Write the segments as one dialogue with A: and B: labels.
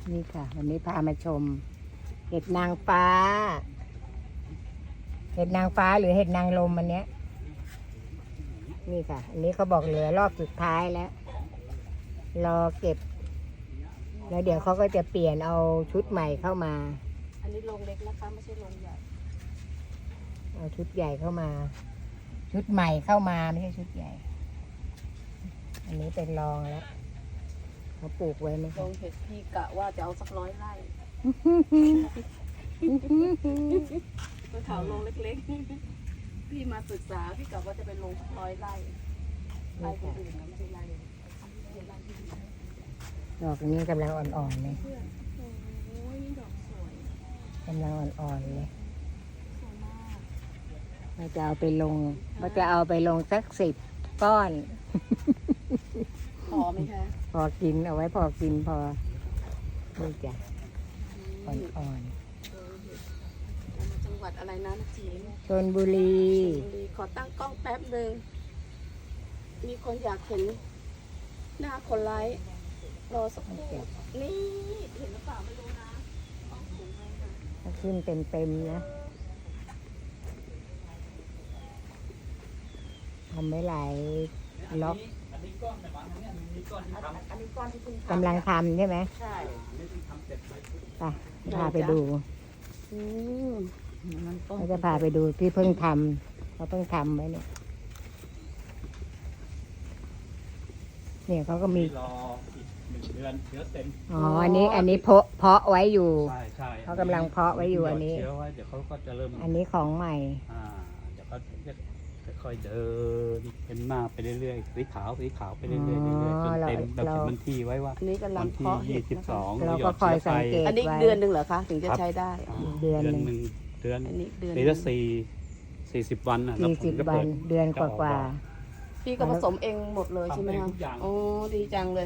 A: นี่ค่ะ วันนี้พามาชม เห็ดนางฟ้า เห็ดนางฟ้าหรือเห็ดนางลมอันเนี้ยนี่ค่ะ อันนี้เขาบอกเหลือรอบสุดท้ายแล้ว รอเก็บ แล้วเดี๋ยวเขาก็จะเปลี่ยนเอาชุดใหม่เข้ามา
B: อันนี้โรงเล็กนะคะไม่ใช่โรงใหญ่
A: เอาชุดใหญ่เข้ามา ชุดใหม่เข้ามาไม่ใช่ชุดใหญ่ อันนี้เป็นรองแล้วเขาปลูกไว้ไหม
B: โรงเห็ดพี่กะว่าจะเอาสัก100 ไร่ไปถามโรงเล็กๆพี่มาศึกษาพี่กะว่าจะเป็นโรงสัก100 ไร่ไร่คนอื่นนะไม่ใช่ไร่ไร่ที่
A: ดอกนี้กำลังอ่อนๆเลย
B: เพื่อนโอ้ยนี่ดอกสวย
A: กำลังอ่อนๆเลย
B: สวยมาก
A: เราจะเอาไปลงสัก10 ก้อน
B: พอไหมคะ
A: พอกินเอาไว้พอกินพอนี่จ้ะอ่อน
B: เอามาจังหวัดอะไรนะนักจีน
A: ๆชลบุรี
B: ขอตั้งกล้องแป๊บหนึ่งมีคนอยากเห็นหน้าคนไลฟ์รอสักครู่นี่เห็นหรือเปล่าไม่รู้นะต้องสูงเลยนะ
A: ถ้าขึ้นเต็มๆนะทำไว้หลายล็อก
B: อันนี้ก้อนที่เพิ่ง
A: กำลังทำใช่ไหม
B: ใช่
A: ไปพาไปดู
B: อืมมันต้น
A: เราจะพาไปดูที่เพิ่งทำเขาเพิ่งทำไว้เนี่ยเนี่ยเขาก็มี
C: รออีก1 เดือนเชื้อเต็ม
A: อ๋ออันนี้เพาะไว้อยู่
C: ใช่ใช่
A: เขากำลังเพาะไว้อยู่อันนี้
C: เชื้อไว้เดี๋ยวเขาก็จะเริ่ม
A: อันนี้ของใหม่
C: เดี๋ยวเขาจะค่อยๆเดินเป็นหน้าไปเรื่อยๆสีขาวไปเรื่อยๆเรื่อยๆจนเต็มเราเขียนวันที่ไว้ว่า
B: อันนี้กำลั
C: วั
B: ง
C: นที่
B: เพาะเห็ดนะคะ
C: 22
A: เราก็คอยสังเกต
B: อันนี้
A: ไว้
B: เดือนหนึ่งเหรอคะถึงจะใช้ได้
A: เดือนหนึ่ง
C: เดือน
B: อันนี้เดือน
C: ปีละ40 วันนะแล้วผม
A: 40
C: จะ
A: วั
C: เปิ
A: น
C: ด
A: เดือนกว่า
B: พี่ก็ผสมเองหมดเลยใช่ไหม
C: ทำเอง
B: คะ
C: ทุกอย่าง
B: โอ้ดีจังเลย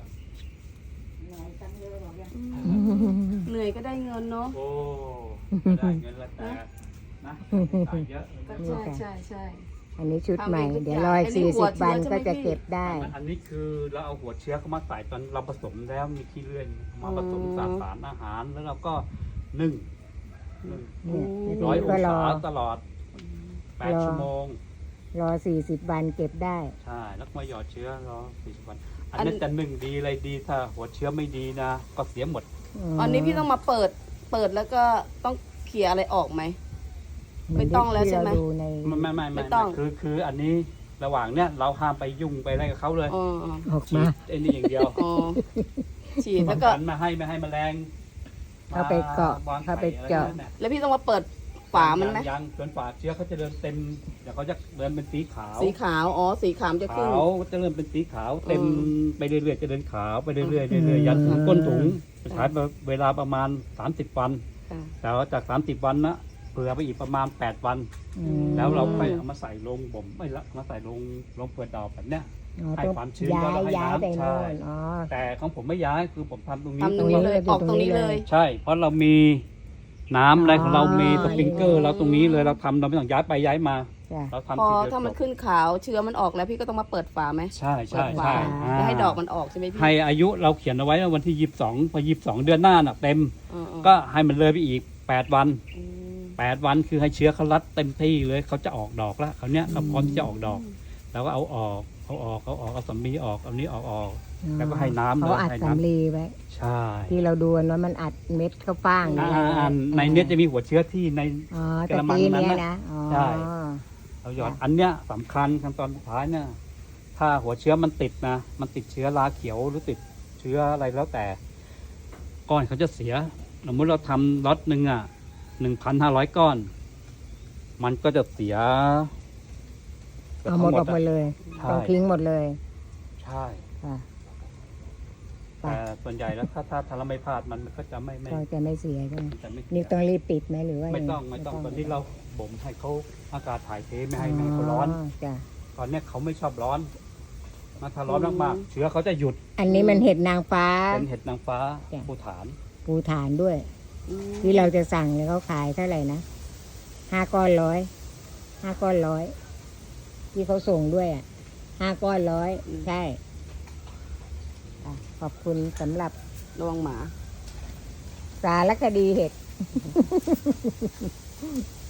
A: ๆ
B: เหนื่อยก็ได้เงินเนาะ
C: โอ้ได้เงินแล้วแต่นะจ่ายเยอะ
B: ใช่ใช่
A: อันนี้ชุดใหม่
B: ทำเองทุก
A: เดี๋ยว
B: อย่าง
A: รอย
B: อันนี้หัว
A: 40
B: เชื้อ
A: วัน
B: ใช่ไหม
A: ก็จะ
B: พี่
A: เก็บได้
C: อันนี้คือเราเอาหัวเชื้อเข้ามาใส่ตอนเราผสมแล้วมีขี้เลื่อยมาผสมสารอาหารแล้วเราก็นึ่ง
A: เนี่ยที
C: ร้อย
A: นี้
C: อ
A: ก็
C: ง
A: รอ
C: ศาตลอด
A: รอ
C: 8 ชั่วโมง
A: รอ 40 วันเก็บได้
C: ใช่ แล้วก็มาหยอดเชื้อรอ40 วัน อันนั้นจะนึ่งดีอะไรดีถ้าหัวเชื้อไม่ดีนะ ก็เสียหมด
B: อันนี้พี่ต้องมาเปิดแล้วก็ต้องเขี่ยอะไรออกไหม ไม่ต้องแล้วใช่ไหม
A: ที่เราดูใน
B: ไม่ต้อง
C: คืออันนี้ระหว่างเนี้ยเราห้ามไปยุ่งไปอะไรกับเขาเลย
B: อ๋อ
A: ออก
C: ฉี
A: มา
C: ดไอ้นี่อย่างเดียว
B: อ๋อฉีดแล้วก็
C: ป้องนไม่ให้แมลง
A: เข้าไปเกาะ
C: วาง
A: เข้าไป
C: ข่อะไร
A: เจาะ
C: นั่นน่ะ
B: แล้วพี่ต้องมาเปิดฝามันไหม
C: ยังจนฝาเชื้อเขาจะเดินเต็มเดี๋ยวเขาจะเดินเป็นสีขาว
B: สีขาวอ๋อสีขาวจะขึ้น
C: ขาวจะเริ่มเป็นสีขาวเต็ม
B: อืม
C: ไปเรื่อยๆจะเดินขาวไปเรื่อยๆเรื่อยๆยันถึงก้นถุงใช้เวลาประมาณ30 วัน
B: ค่ะ
C: แต่ว่าจาก30 วันนะเผื่อไปอีกประมาณ8 วัน
A: อืม
C: แล้วเราค่อยเอามาใส่ลงบ่มไม่ละมาใส่ลงเปลือกดอกแบบเนี้ย
A: อ๋อ
C: ให้
A: ต้อง
C: ความชื้น
A: ย้าย
C: ก็ให้
A: ย้าย
C: น้ำ
A: ไป
C: ใช่
A: โน่นอ๋อ
C: แต่ของผมไม่ย้ายคือผมทำตรงนี้
B: ทำตรงนี้เลย
A: ตรงนี้เลย
B: ออกตรงนี้เลย
C: ใช่ เพราะเรามีน้ำอะไรของเรา
A: อ๋อ
C: มีสปริงเกอร์เราตรงนี้เลยเราทำเราไม่ต้องย้ายไปย้ายมา
A: จ้ะ
C: เรา
B: พ
C: ทำ
B: อ
C: ทีเดียว
B: ถ้ามัน
C: จบ
B: ขึ้นขาวเชื้อมันออกแล้วพี่ก็ต้องมาเปิดฝาไหม
C: ใช่
B: เปิ
C: ใช่
B: ดฝา
C: ใช่
B: แล้วให้ดอกมันออกใช่ไหมพี่
C: ให้อายุเราเขียนเอาไว้ว่าวันที่22พอ22 เดือนหน้าน่ะเต็ม
B: อ๋อ
C: ก็ให้มันเลยไปอีก8 วัน
B: อืม
C: 8 วันคือให้เชื้อเขารัดเต็มที่เลยเขาจะออกดอกแล้วเขาวเนี้ยเขาพร้อมที่จะออกดอกแล้วก็เอาออกเอาสำลีออกเอานี้ออก แล้วก็ให้น้ำเลย
A: เขาอัด
C: ให้น้ำ
A: สำลีไว้
C: ใช่
A: ที่เราดูว่ามันอัดเม็ดเข้าฟางอยู่
C: ในเนี้ยจะมีหัวเชื้อที่ใน
A: อ๋อแต่
C: กระมัง
A: ปี
C: นั้น
A: เนี้ย
C: น่ะ
A: นะอ๋อ
C: ใช่ เราหยอดอันเนี้ยสำคัญขั้นตอนสุดท้ายเนี่ยถ้าหัวเชื้อมันติดนะมันติดเชื้อราเขียวหรือติดเชื้ออะไรแล้วแต่ก้อนเขาจะเสียสมมติเราทำล็อตหนึ่ง1,500 ก้อน มันก็จะเสีย
A: เอาหมดออกมาเลย
C: ใช่
A: ต้องทิ้งหมดเลย
C: ใช่
A: ค่ะ
C: แต่ส่วนใหญ่แล้วถ้าเราไม่พลาดมันก็จะไม่
A: ก็จะไม่เสียใช่ไหม
C: จะไม่เสีย
A: นี่ต้องรีบปิดไหมหรือว่า
C: ไม่ต้อง
A: ยั
C: ไม่ต้องตอนนี้เราบ่มให้เขาอากาศถ่ายเทไม่ให้เขาร้อน
A: จ้ะ
C: ตอนเนี้ยเขาไม่ชอบร้อนถ้าร้อนมากๆเชื้อเขาจะหยุด
A: อันนี้มันเห็ดนางฟ้า
C: เป็นเห็ดนางฟ้า
A: จ้ะ
C: ภูฐาน
A: ปูฐานด้วย
B: อืม
A: ที่เราจะสั่งเนี่ยเขาขายเท่าไหร่นะ5 ก้อน 100 5 ก้อน 100ที่เขาส่งด้วยอ่ะ5 ก้อน 100ใช่ขอบคุณสำหรับ
B: ระวังหมา
A: สารคดีเห็ด